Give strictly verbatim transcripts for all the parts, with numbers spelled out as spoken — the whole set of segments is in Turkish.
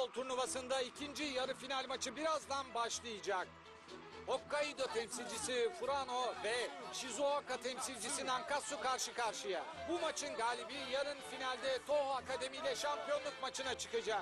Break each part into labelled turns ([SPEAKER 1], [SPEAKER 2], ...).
[SPEAKER 1] futbol turnuvasında ikinci yarı final maçı birazdan başlayacak. Hokkaido temsilcisi Furano ve Shizuoka temsilcisi Nankatsu karşı karşıya. Bu maçın galibi yarın finalde Toho Akademi ile şampiyonluk maçına çıkacak.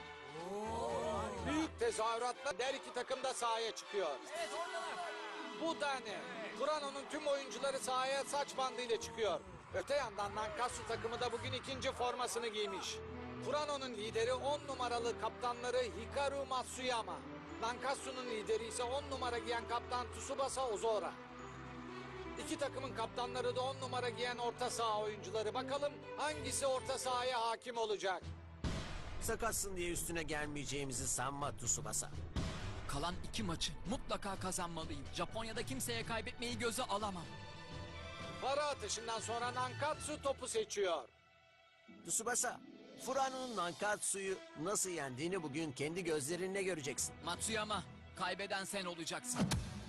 [SPEAKER 1] Büyük tezahüratla her iki takım da sahaya çıkıyor. Bu da ne? Furano'nun tüm oyuncuları sahaya saç bandıyla çıkıyor. Öte yandan Nankatsu takımı da bugün ikinci formasını giymiş. Furano'nun lideri on numaralı kaptanları Hikaru Matsuyama. Nankatsu'nun lideri ise on numara giyen kaptan Tsubasa Ozora. İki takımın kaptanları da on numara giyen orta saha oyuncuları. Bakalım hangisi orta sahaya hakim olacak?
[SPEAKER 2] Sakatsın diye üstüne gelmeyeceğimizi sanma Tsubasa.
[SPEAKER 3] Kalan iki maçı mutlaka kazanmalıyım. Japonya'da kimseye kaybetmeyi göze alamam.
[SPEAKER 1] Para atışından sonra Nankatsu topu seçiyor.
[SPEAKER 2] Tsubasa, Furano'nun Nankatsu'yu nasıl yendiğini bugün kendi gözlerinle göreceksin.
[SPEAKER 3] Matsuyama, kaybeden sen olacaksın.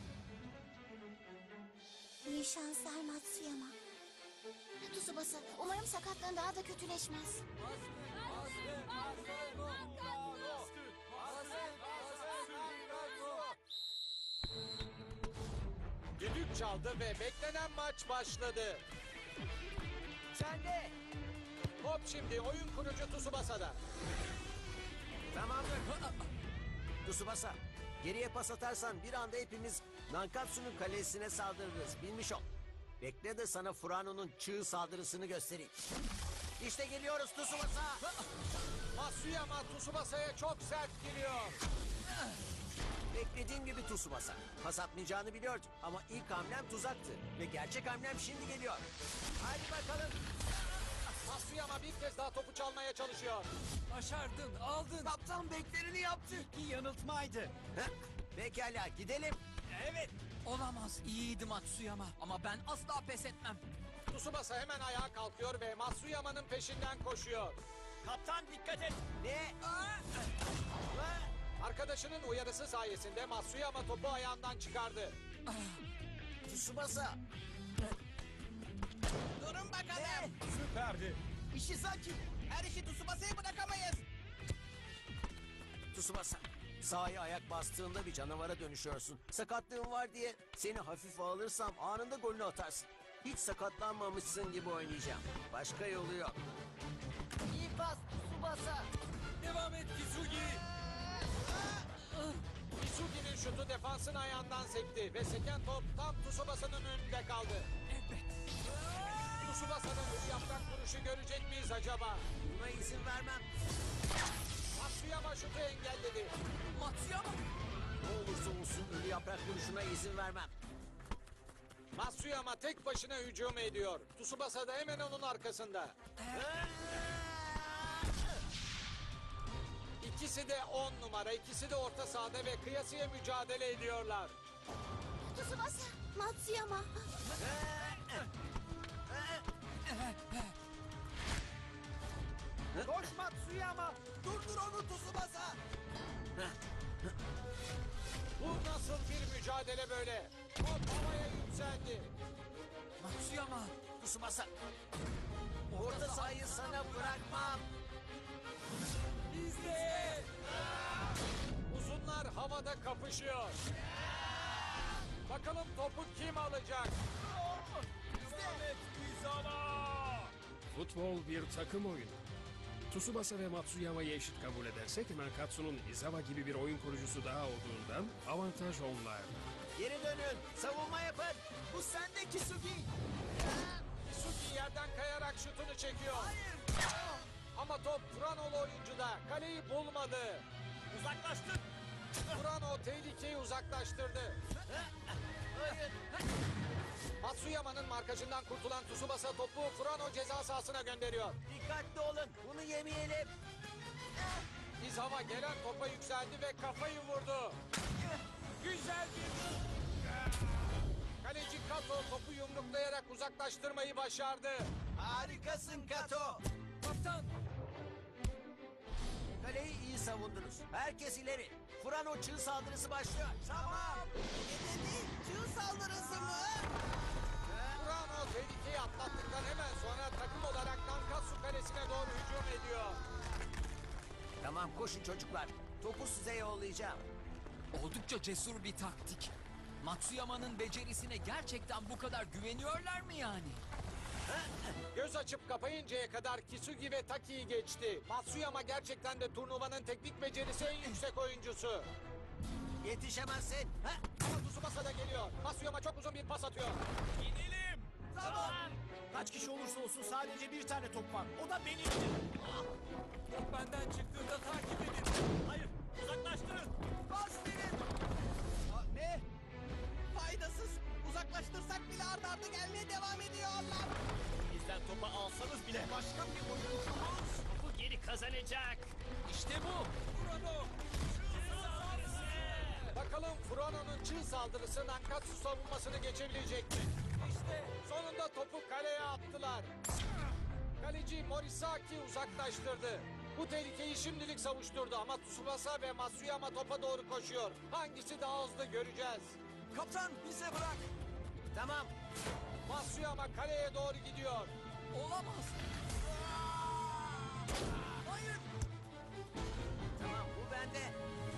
[SPEAKER 4] İyi şanslar Matsuyama. Tsubasa, umarım sakatlığın daha da kötüleşmez.
[SPEAKER 1] Düdük çaldı ve beklenen maç başladı.
[SPEAKER 2] Sen de.
[SPEAKER 1] Top şimdi oyun kurucu Tsubasa'da.
[SPEAKER 2] Tamamdır. Tsubasa, geriye pas atarsan bir anda hepimiz Nankatsu'nun kalesine saldırırız. Bilmiş ol. Bekle de sana Furano'nun çığ saldırısını göstereyim. İşte geliyoruz Tsubasa.
[SPEAKER 1] Matsuyama Tsubasa'ya çok sert giriyor.
[SPEAKER 2] Beklediğim gibi Tsubasa. Pas atmayacağını biliyordum ama ilk hamlem tuzaktı. Ve gerçek hamlem şimdi geliyor. Hadi bakalım.
[SPEAKER 1] Matsuyama bir kez daha topu çalmaya çalışıyor.
[SPEAKER 3] Başardın, aldın.
[SPEAKER 2] Kaptan beklerini yaptı.
[SPEAKER 3] Bir yanıltmaydı.
[SPEAKER 2] Heh, pekala gidelim.
[SPEAKER 3] Evet. Olamaz, iyiydi Matsuyama. Ama ben asla pes etmem.
[SPEAKER 1] Tsubasa hemen ayağa kalkıyor ve Matsuyama'nın peşinden koşuyor.
[SPEAKER 3] Kaptan dikkat et.
[SPEAKER 2] Ne?
[SPEAKER 1] Arkadaşının uyarısı sayesinde Matsuyama topu ayağından çıkardı.
[SPEAKER 2] Tsubasa.
[SPEAKER 5] Durun bakalım.
[SPEAKER 2] Ne?
[SPEAKER 5] Süperdi. İşi sakin. Her işi Tsubasa'ya bırakamayız.
[SPEAKER 2] Tsubasa. Sahaya ayak bastığında bir canavara dönüşüyorsun. Sakatlığın var diye seni hafife alırsam anında golünü atarsın. Hiç sakatlanmamışsın gibi oynayacağım. Başka yolu yok.
[SPEAKER 5] İyi pas Tsubasa.
[SPEAKER 3] Devam et Kisugi.
[SPEAKER 1] Isugi'nin şutu defansın ayağından sekti ve seken top tam Tsubasa'nın önünde kaldı.
[SPEAKER 3] Evet.
[SPEAKER 1] Tsubasa'nın ölü yaprak vuruşu görecek miyiz acaba?
[SPEAKER 2] Buna izin vermem.
[SPEAKER 1] Matsuyama şutu engelledi.
[SPEAKER 3] Matsuyama.
[SPEAKER 2] Ne olursa olsun ölü yaprak vuruşuna izin vermem.
[SPEAKER 1] Matsuyama tek başına hücum ediyor. Tsubasa da hemen onun arkasında. İkisi de on numara, ikisi de orta sahada ve kıyasıya mücadele ediyorlar.
[SPEAKER 4] Tsubasa, Matsuyama.
[SPEAKER 5] Koş Matsuyama. Durdur onu Tsubasa.
[SPEAKER 1] Bu nasıl bir mücadele böyle? Top havaya yükseldi.
[SPEAKER 3] Matsuyama.
[SPEAKER 2] Tsubasa. Orta sahayı sana bırakmam.
[SPEAKER 3] İzle.
[SPEAKER 1] Uzunlar havada kapışıyor. Bakalım topu kim alacak?
[SPEAKER 6] Futbol bir takım oyunu. Tsubasa ve Matsuyama'yı eşit kabul edersek Nankatsu'nun Izawa gibi bir oyun kurucusu daha olduğundan avantaj onlarda.
[SPEAKER 2] Geri dönün. Savunma yapın. Bu sende Kisugi.
[SPEAKER 1] Isugi yerden kayarak şutunu çekiyor. Ama top Furano'lu oyuncuda. Kaleyi bulmadı.
[SPEAKER 5] Uzaklaştın.
[SPEAKER 1] Furano tehlikeyi uzaklaştırdı. Matsuyama'nın markajından kurtulan Tsubasa topu Furano ceza sahasına gönderiyor.
[SPEAKER 2] Dikkatli olun. Bunu yemeyelim.
[SPEAKER 1] Izawa gelen topa yükseldi ve kafayı vurdu. Güzel bir... Kaleci Kato topu yumruklayarak uzaklaştırmayı başardı.
[SPEAKER 5] Harikasın Kato.
[SPEAKER 3] Kaptan.
[SPEAKER 2] Kaleyi iyi savundunuz. Herkes ileri. Furano çığ saldırısı başlıyor.
[SPEAKER 5] Tamam. Ne dedi? Çığ saldırısı mı?
[SPEAKER 1] Furano tehlikeyi atlattıktan hemen sonra takım olarak Nankatsu kalesine doğru hücum ediyor.
[SPEAKER 2] Tamam koşun çocuklar. Topu size yollayacağım.
[SPEAKER 3] Oldukça cesur bir taktik. Matsuyama'nın becerisine gerçekten bu kadar güveniyorlar mı yani?
[SPEAKER 1] Göz açıp kapayıncaya kadar Kisugi ve Taki'yi geçti. Matsuyama gerçekten de turnuvanın teknik becerisi en yüksek oyuncusu.
[SPEAKER 2] Yetişemezsin. Ha?
[SPEAKER 1] Ama Tsubasa da geliyor. Matsuyama çok uzun bir pas atıyor.
[SPEAKER 5] Gidelim. Tamam. Kaç kişi olursa olsun sadece bir tane top var. O da benimdir. Top benden çıktığında takip edin. Hayır, uzaklaştırın. Bas verin. Aa, ne? Faydasız. Uzaklaştırsak bile arda arda gelmeye devam ediyorlar. Bizden topu alsanız bile başka bir oyuncumuz topu geri kazanacak. İşte bu. Kurano.
[SPEAKER 1] Bakalım Furano'nun çığ saldırısı Nankatsu savunmasını geçebilecek mi? İşte sonunda topu kaleye attılar. Kaleci Morisaki uzaklaştırdı. Bu tehlikeyi şimdilik savuşturdu ama Tsubasa ve Matsuyama topa doğru koşuyor. Hangisi daha hızlı göreceğiz.
[SPEAKER 5] Kaptan bize bırak.
[SPEAKER 2] Tamam.
[SPEAKER 1] Matsuyama kaleye doğru gidiyor.
[SPEAKER 3] Olamaz.
[SPEAKER 5] Hayır.
[SPEAKER 2] Tamam bu bende.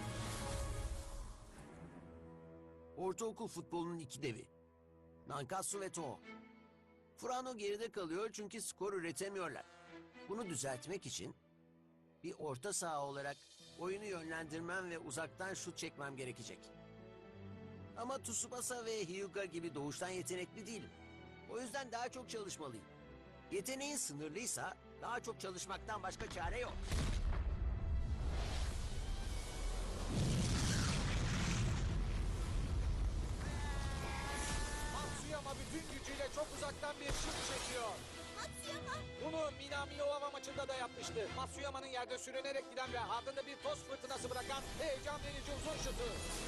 [SPEAKER 2] Ortaokul futbolunun iki devi. Nankatsu ve Toho. Furano geride kalıyor çünkü skor üretemiyorlar. Bunu düzeltmek için bir orta saha olarak oyunu yönlendirmem ve uzaktan şut çekmem gerekecek. Ama Tsubasa ve Hyuga gibi doğuştan yetenekli değilim. O yüzden daha çok çalışmalıyım. Yeteneğin sınırlıysa daha çok çalışmaktan başka çare yok.
[SPEAKER 1] Matsuyama bütün gücüyle çok uzaktan bir şut çekiyor.
[SPEAKER 4] Matsuyama.
[SPEAKER 1] Bunu Minami Ova maçında da yapmıştı. Matsuyama'nın yerde sürünerek giden ve ardında bir toz fırtınası bırakan heyecan verici uzun şutu.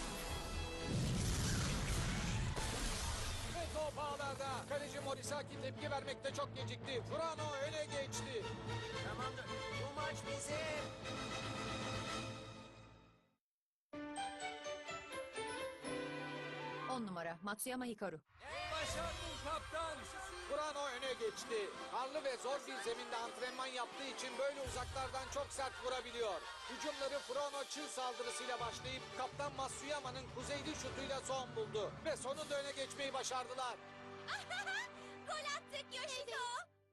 [SPEAKER 1] Ve top ağlarda. Kaleci Morisaki tepki vermekte çok gecikti. Furano öne geçti.
[SPEAKER 2] Tamamdır. Bu maç bizim.
[SPEAKER 7] On numara Matsuyama Hikaru.
[SPEAKER 5] Başardın kaptan.
[SPEAKER 1] Furano öne geçti. Karlı ve zor bir zeminde antrenman yaptığı için böyle uzaklardan çok sert vurabiliyor. Hücumları Furano çığ saldırısıyla başlayıp kaptan Matsuyama'nın kuzeyli şutuyla son buldu. Ve sonunda öne geçmeyi başardılar.
[SPEAKER 4] Gol attık Yoshiko.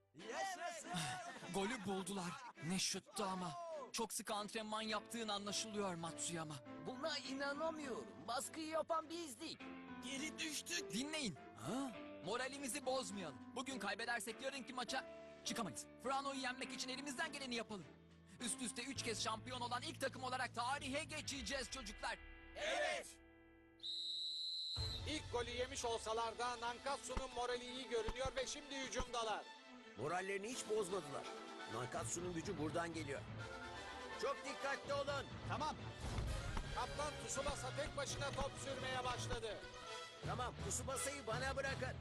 [SPEAKER 3] Golü buldular. Ne şuttu ama. Çok sık antrenman yaptığın anlaşılıyor Matsuyama.
[SPEAKER 5] Buna inanamıyorum. Baskıyı yapan bizdik. Geri düştük.
[SPEAKER 3] Dinleyin. Moralimizi bozmayalım. Bugün kaybedersek yarınki maça çıkamayız. Furano'yu yenmek için elimizden geleni yapalım. Üst üste üç kez şampiyon olan ilk takım olarak tarihe geçeceğiz çocuklar.
[SPEAKER 5] Evet.
[SPEAKER 1] İlk golü yemiş olsalar da Nankatsu'nun morali iyi görünüyor ve şimdi hücumdalar.
[SPEAKER 2] Morallerini hiç bozmadılar. Nankatsu'nun gücü buradan geliyor. Çok dikkatli olun.
[SPEAKER 5] Tamam.
[SPEAKER 1] Kaptan Tsubasa tek başına top sürmeye başladı.
[SPEAKER 2] Tamam, Tsubasa'yı bana bırakın.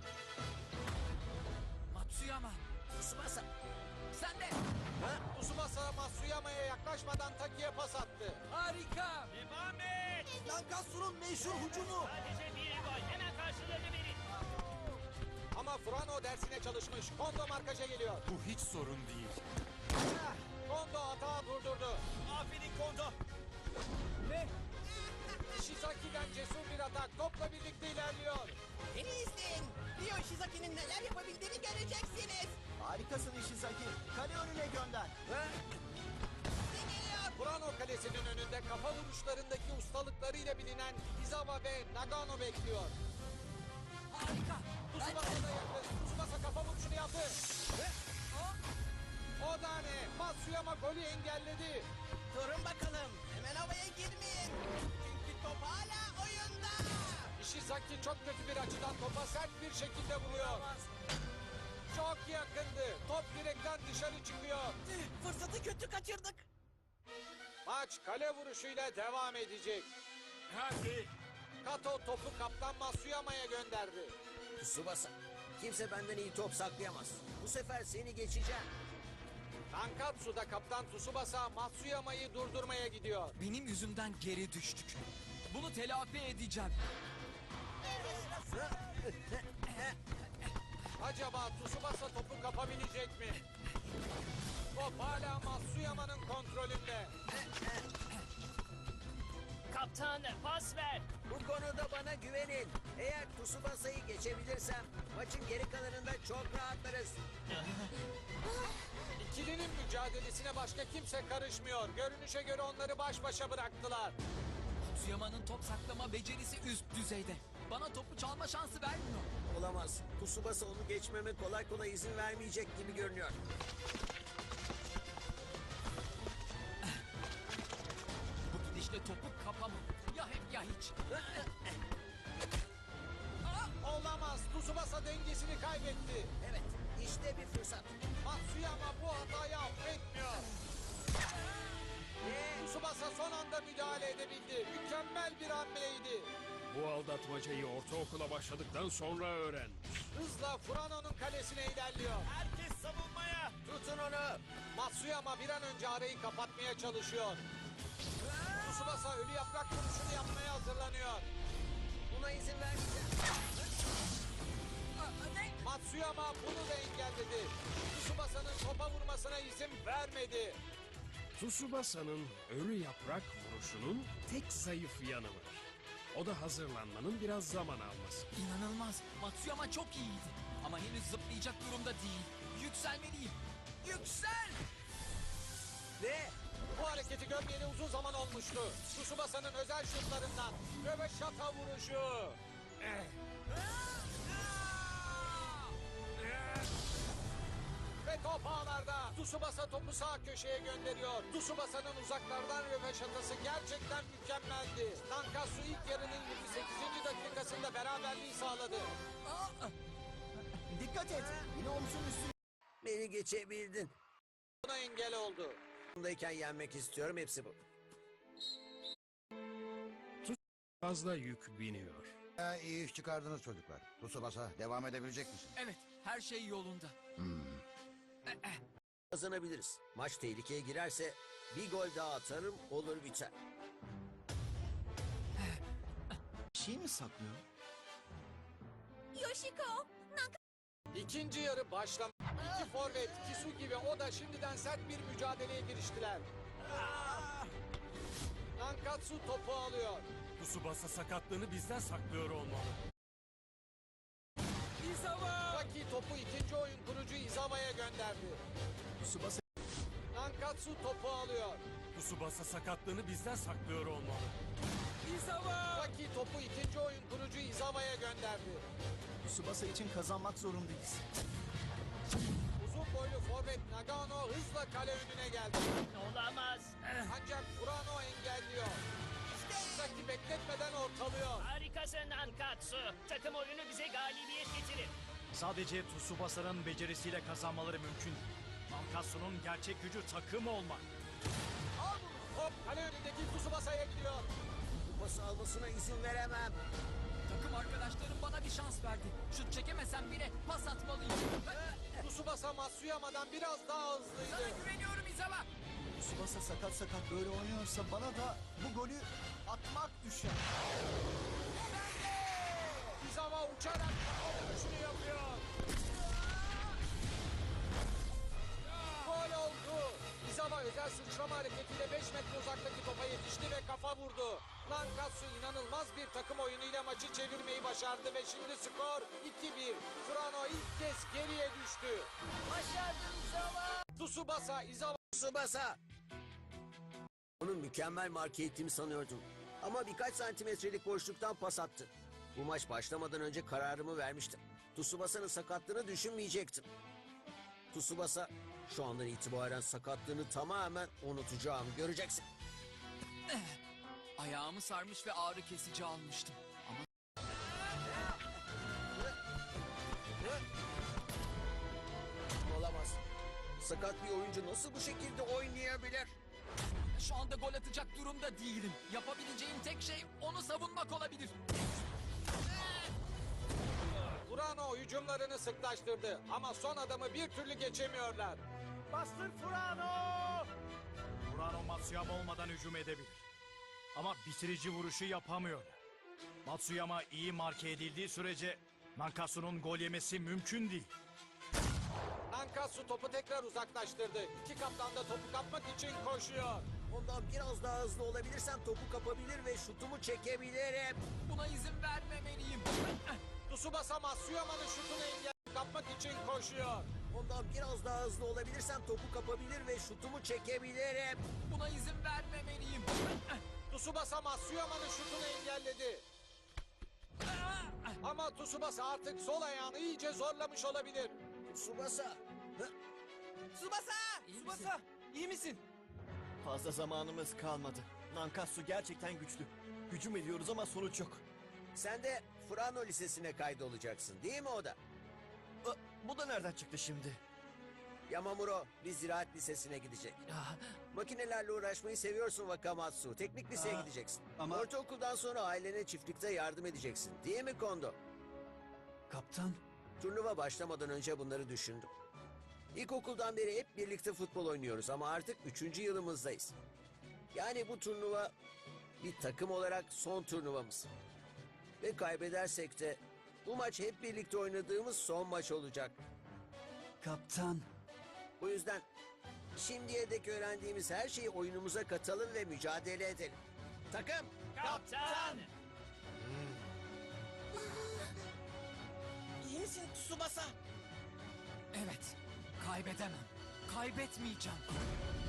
[SPEAKER 3] Matsuyama
[SPEAKER 2] Tsubasa.
[SPEAKER 3] sen de.
[SPEAKER 2] Ha?
[SPEAKER 1] Tsubasa Matsuyama'ya yaklaşmadan Taki'ye pas attı.
[SPEAKER 5] Harika. Devam et. Nankatsu'nun meşhur hücumu.
[SPEAKER 8] Sadece bir gol. Hemen karşılığını verin.
[SPEAKER 1] Ama Furano dersine çalışmış. Kondo markaja geliyor.
[SPEAKER 8] Bu hiç sorun değil.
[SPEAKER 1] Kondo hata durdurdu.
[SPEAKER 5] Aferin Kondo. Ne?
[SPEAKER 1] Ishizaki'den cesur bir atak topla birlikte ilerliyor.
[SPEAKER 5] Beni izleyin. Ryo Ishizaki'nin neler yapabildiğini göreceksiniz. Harikasın Ishizaki. Kale önüne gönder.
[SPEAKER 2] Ha?
[SPEAKER 5] Ne geliyor?
[SPEAKER 1] Furano kalesinin önünde kafa vuruşlarındaki ustalıklarıyla bilinen Izawa ve Nagano bekliyor.
[SPEAKER 3] Harika.
[SPEAKER 1] Tsubasa da yakın. Tsubasa kafa vuruşunu yaptı. Ve... O da ne? Matsuyama golü engelledi.
[SPEAKER 5] Durun bakalım. Hemen havaya girmeyin. Çünkü top hala oyunda.
[SPEAKER 1] Ishizaki çok kötü bir açıdan topa sert bir şekilde vuruyor. Çok yakındı. Top direkten dışarı çıkıyor.
[SPEAKER 5] Fırsatı kötü kaçırdık.
[SPEAKER 1] Maç kale vuruşuyla devam edecek.
[SPEAKER 8] Hadi.
[SPEAKER 1] Kato topu kaptan Matsuyama'ya gönderdi.
[SPEAKER 2] Tsubasa. Kimse benden iyi top saklayamaz. Bu sefer seni geçeceğim.
[SPEAKER 1] Nankatsu'da kaptan Tsubasa Matsuyama'yı durdurmaya gidiyor.
[SPEAKER 3] Benim yüzümden geri düştük. Bunu telafi edeceğim.
[SPEAKER 1] Acaba Tsubasa topu kapabilecek mi? Top hala Matsuyama'nın kontrolünde.
[SPEAKER 8] Kaptan pas ver.
[SPEAKER 2] Bu konuda bana güvenin. Eğer Tsubasa'yı geçebilirsem maçın geri kalanında çok rahatlarız.
[SPEAKER 1] İkilinin mücadelesine başka kimse karışmıyor. Görünüşe göre onları baş başa bıraktılar.
[SPEAKER 3] Matsuyama'nın top saklama becerisi üst düzeyde. Bana topu çalma şansı vermiyor.
[SPEAKER 2] Olamaz. Tsubasa onu geçmeme kolay kolay izin vermeyecek gibi görünüyor.
[SPEAKER 3] Bu gidişle topu kapamam. Ya hep ya hiç.
[SPEAKER 1] Olamaz. Tsubasa dengesini kaybetti.
[SPEAKER 2] Evet, işte bir fırsat.
[SPEAKER 1] Matsuyama bu hatayı affetmiyor. Tsubasa son anda müdahale edebildi. Mükemmel bir hamleydi.
[SPEAKER 6] Bu aldatmacayı ortaokula başladıktan sonra öğren.
[SPEAKER 1] Hızla Furano'nun kalesine ilerliyor.
[SPEAKER 5] Herkes savunmaya.
[SPEAKER 2] Tutun onu.
[SPEAKER 1] Matsuyama bir an önce arayı kapatmaya çalışıyor. Tsubasa ölü yaprak vuruşunu yapmaya hazırlanıyor.
[SPEAKER 2] Buna izin vermeyeceğim.
[SPEAKER 1] Matsuyama bunu da engelledi. Tsubasa'nın topa vurmasına izin vermedi.
[SPEAKER 6] Tsubasa'nın ölü yaprak vuruşunun tek zayıf yanı var. O da hazırlanmanın biraz zaman alması.
[SPEAKER 3] İnanılmaz. Matsuyama çok iyiydi. Ama henüz zıplayacak durumda değil. Yükselmeliyim. Yüksel!
[SPEAKER 2] Ne?
[SPEAKER 1] Bu hareketi görmeyeli uzun zaman olmuştu. Tsubasa'nın özel şutlarından röveşata vuruşu. Ve top ağlarda. Tsubasa topu sağ köşeye gönderiyor. Tsubasa'nın uzaklardan röveşatası gerçekten mükemmeldi. Nankatsu ilk yarının yirmi sekizinci dakikasında beraberliği sağladı.
[SPEAKER 2] Dikkat et. Yine omzun üstüne. Beni geçebildin.
[SPEAKER 1] Buna engel oldu.
[SPEAKER 2] Bundayken yenmek istiyorum. Hepsi bu.
[SPEAKER 6] Fazla yük biniyor.
[SPEAKER 7] Ha, iyi iş çıkardınız çocuklar. Tsubasa devam edebilecek misin?
[SPEAKER 3] Evet, her şey yolunda.
[SPEAKER 2] Kazanabiliriz. Maç tehlikeye girerse bir gol daha atarım, olur biter.
[SPEAKER 5] Şey mi saklıyor?
[SPEAKER 4] Yoshiko,
[SPEAKER 1] İkinci yarı başlam. İki forvet Kisugi ve Oda şimdiden sert bir mücadeleye giriştiler. Nankatsu topu alıyor.
[SPEAKER 8] Tsubasa sakatlığını bizden saklıyor olmalı.
[SPEAKER 1] Saki topu ikinci oyun kurucu Izawa'ya gönderdi.
[SPEAKER 5] Tsubasa
[SPEAKER 1] Nankatsu topu alıyor.
[SPEAKER 8] Tsubasa sakatlığını bizden saklıyor olmalı.
[SPEAKER 1] Saki topu ikinci oyun kurucu Izawa'ya gönderdi.
[SPEAKER 5] Tsubasa için kazanmak zorundayız.
[SPEAKER 1] Uzun boylu forvet Nagano hızla kale önüne geldi.
[SPEAKER 8] Olamaz.
[SPEAKER 1] Ancak Furano engelliyor. Saki bekletmeden ortalıyor.
[SPEAKER 8] Harikasın Nankatsu. Takım oyunu bize galibiyet getirir.
[SPEAKER 5] Sadece Tsubasa'nın becerisiyle kazanmaları mümkün. Nankatsu'nun gerçek gücü takım olmak.
[SPEAKER 1] Top kale önündeki Tsubasa'ya gidiyor.
[SPEAKER 2] Bu pası almasına izin veremem.
[SPEAKER 3] Takım arkadaşlarım bana bir şans verdi. Şut çekemesem bile pas atmalıyım.
[SPEAKER 1] Tsubasa Matsuyama'dan biraz daha hızlıydı.
[SPEAKER 3] Sana güveniyorum İzawa.
[SPEAKER 5] Tsubasa sakat sakat böyle oynuyorsa bana da bu golü atmak düşer.
[SPEAKER 1] Izawa uçarak kafa vuruşunu yapıyor. Gol oldu. Izawa özel sıçrama hareketiyle beş metre uzaktaki topa yetişti ve kafa vurdu. Nankatsu inanılmaz bir takım oyunuyla maçı çevirmeyi başardı ve şimdi skor iki bir. Furano ilk kez geriye düştü. Başardın Izawa. Tsubasa, Izawa.
[SPEAKER 2] Tsubasa! Onun mükemmel marke ettiğimi sanıyordum. Ama birkaç santimetrelik boşluktan pas attı. Bu maç başlamadan önce kararımı vermiştim. Tsubasa'nın sakatlığını düşünmeyecektim. Tsubasa şu andan itibaren sakatlığını tamamen unutacağım. Göreceksin.
[SPEAKER 3] Ayağımı sarmış ve ağrı kesici almıştım. Ama
[SPEAKER 2] Olamaz. Sakat bir oyuncu nasıl bu şekilde oynayabilir?
[SPEAKER 3] şu anda gol atacak durumda değilim. Yapabileceğim tek şey onu savunmak olabilir.
[SPEAKER 1] Furano hücumlarını sıklaştırdı ama son adamı bir türlü geçemiyorlar.
[SPEAKER 5] Bastır Furano! Furano Matsuyama olmadan hücum edebilir. Ama bitirici vuruşu yapamıyor. Matsuyama iyi marke edildiği sürece Nankatsu'nun gol yemesi mümkün değil.
[SPEAKER 1] Nankatsu topu tekrar uzaklaştırdı. İki kaptan da topu kapmak için koşuyor.
[SPEAKER 2] Ondan biraz daha hızlı olabilirsem topu kapabilir ve şutumu çekebilirim.
[SPEAKER 3] Buna izin vermemeliyim.
[SPEAKER 1] Tsubasa Matsuyama'nın şutunu engel kapmak için koşuyor.
[SPEAKER 2] Ondan biraz daha hızlı olabilirsem topu kapabilir ve şutumu çekebilirim.
[SPEAKER 3] Buna izin vermemeliyim.
[SPEAKER 1] Tsubasa Matsuyama'nın şutunu engelledi. Ama Tsubasa artık sol ayağını iyice zorlamış olabilir.
[SPEAKER 2] Tsubasa.
[SPEAKER 3] Tsubasa! Tsubasa! İyi misin?
[SPEAKER 9] Fazla zamanımız kalmadı. Nankatsu gerçekten güçlü. Hücum ediyoruz ama sonuç yok.
[SPEAKER 2] Sen de Furano Lisesi'ne kaydolacaksın değil mi o da?
[SPEAKER 9] Aa, bu da nereden çıktı şimdi?
[SPEAKER 2] Yamamuro bir ziraat lisesine gidecek.
[SPEAKER 9] Ah,
[SPEAKER 2] Makinelerle uğraşmayı seviyorsun Wakamatsu. Teknik liseye
[SPEAKER 9] Aa,
[SPEAKER 2] gideceksin.
[SPEAKER 9] ama-
[SPEAKER 2] Ortaokuldan sonra ailene çiftlikte yardım edeceksin. Değil mi Kondo?
[SPEAKER 9] kaptan.
[SPEAKER 2] Turnuva başlamadan önce bunları düşündüm. İlkokuldan beri hep birlikte futbol oynuyoruz ama artık üçüncü yılımızdayız. Yani bu turnuva bir takım olarak son turnuvamız. Ve kaybedersek de bu maç hep birlikte oynadığımız son maç olacak.
[SPEAKER 9] Kaptan.
[SPEAKER 2] Bu yüzden şimdiye dek öğrendiğimiz her şeyi oyunumuza katalım ve mücadele edelim. Takım!
[SPEAKER 8] Kaptan!
[SPEAKER 5] İyi misin Tsubasa?
[SPEAKER 3] Evet. Kaybedemem. Kaybetmeyeceğim.